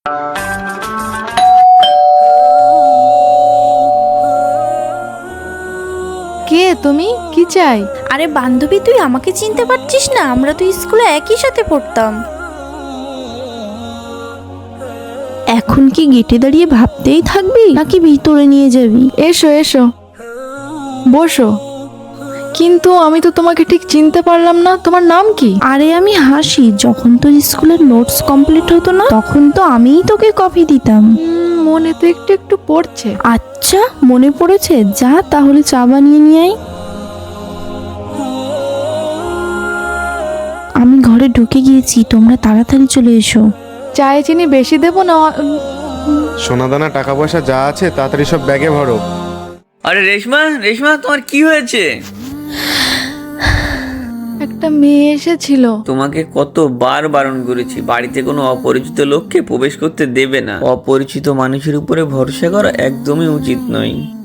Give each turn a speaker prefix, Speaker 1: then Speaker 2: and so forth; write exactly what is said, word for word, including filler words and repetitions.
Speaker 1: কে তুমি? কি চাই?
Speaker 2: আরে বান্ধবী, তুই আমাকে চিনতে পারছিস না? আমরা তো স্কুলে একই সাথে পড়তাম।
Speaker 3: এখন কি গেটে দাঁড়িয়ে ভাবতেই থাকবি নাকি ভিতরে নিয়ে যাবি?
Speaker 1: এসো এসো, বসো। কিন্তু আমি তো তোমাকে ঠিক চিনতে পারলাম না, তোমার নাম কি?
Speaker 3: আরে আমি হাসি, যখন তোর স্কুলের নোটস কমপ্লিট হতো না তখন তো আমিই তোকে কপি দিতাম।
Speaker 1: উম, মনে তো একটু একটু পড়ছে।
Speaker 3: আচ্ছা মনে পড়েছে, যা তাহলে চা বানিয়ে নিয়ে আয়। আমি ঘরে ঢুকে গিয়েছি, তোমরা তাড়াতাড়ি চলে এসো।
Speaker 1: চায়ে চিনি বেশি দেবো না? উম,
Speaker 4: সোনাদানা টাকা পয়সা যা আছে তাড়াতাড়ি সব ব্যাগে ভরো।
Speaker 5: আরে রেশমা, রেশমা তোমার কি হয়েছে?
Speaker 1: একটা মেয়ে এসেছিল।
Speaker 5: তোমাকে কতবার বারণ করেছি বাড়িতে কোনো অপরিচিত লোককে প্রবেশ করতে দেবে না। অপরিচিত মানুষের উপরে ভরসা করা একদমই উচিত নয়।